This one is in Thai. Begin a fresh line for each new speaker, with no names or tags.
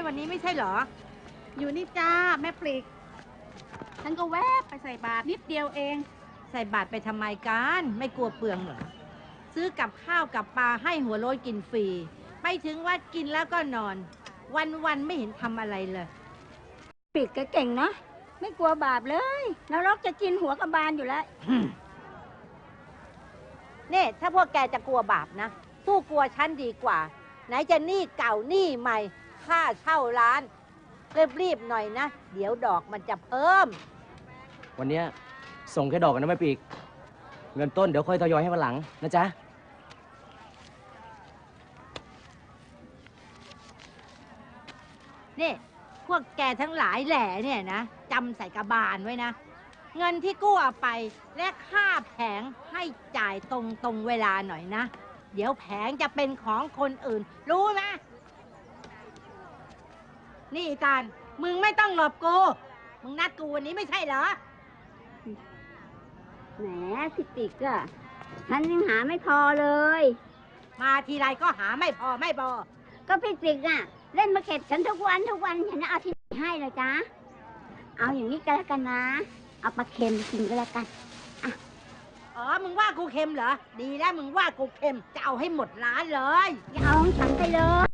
วันนี้ไม่ใช่เหรอ
อยู่นี่จ้าแม่ปลีกฉันก็แวบไปใส่บาตรนิดเดียวเอง
ใส่บาตรไปทำไมกันไม่กลัวเปลืองเหรอซื้อกับข้าวกับปลาให้หัวโล้นกินฟรีไปถึงวัดกินแล้วก็นอนวันไม่เห็นทำอะไรเลย
ปลีกเก่งนะไม่กลัวบาปเลยนรกจะกินหัวกระบาลอยู่แล้ว
เนี่ยถ้าพวกแกจะกลัวบาปนะสู้กลัวฉันดีกว่าไหนจะหนี้เก่าหนี้ใหม่ค่าเช่าร้านรีบหน่อยนะเดี๋ยวดอกมันจะเพิ่ม
วันนี้ส่งแค่ดอกกันนะแม่ปีกเงินต้นเดี๋ยวค่อยทยอยให้วันหลังนะจ๊ะ
นี่พวกแกทั้งหลายแหล่เนี่ยนะจำใส่กระบาลไว้นะเงินที่กู้เอาไปและค่าแผงให้จ่ายตรงเวลาหน่อยนะเดี๋ยวแผงจะเป็นของคนอื่นรู้ไหมนี่อีตาลมึงไม่ต้องหลบกูมึงนัดกูวันนี้ไม่ใช่เหรอ
แหมพี่ติ๊กอะฉันยังหาไม่พอเลย
มาทีไรก็หาไม่พอ
ก็พี่ติ๊กอะเล่นมาเก็บฉันทุกวันฉันจะเอาที่ไหนให้เลยจ้าเอาอย่างนี้ก็แล้วกันนะเอาปลาเค็มกินก็แล้วกัน
อ๋อมึงว่ากูเค็มเหรอดีแล้วมึงว่ากูเค็มจะเอาให้หมดร้านเลย
อย่าเอาของฉันไปเลย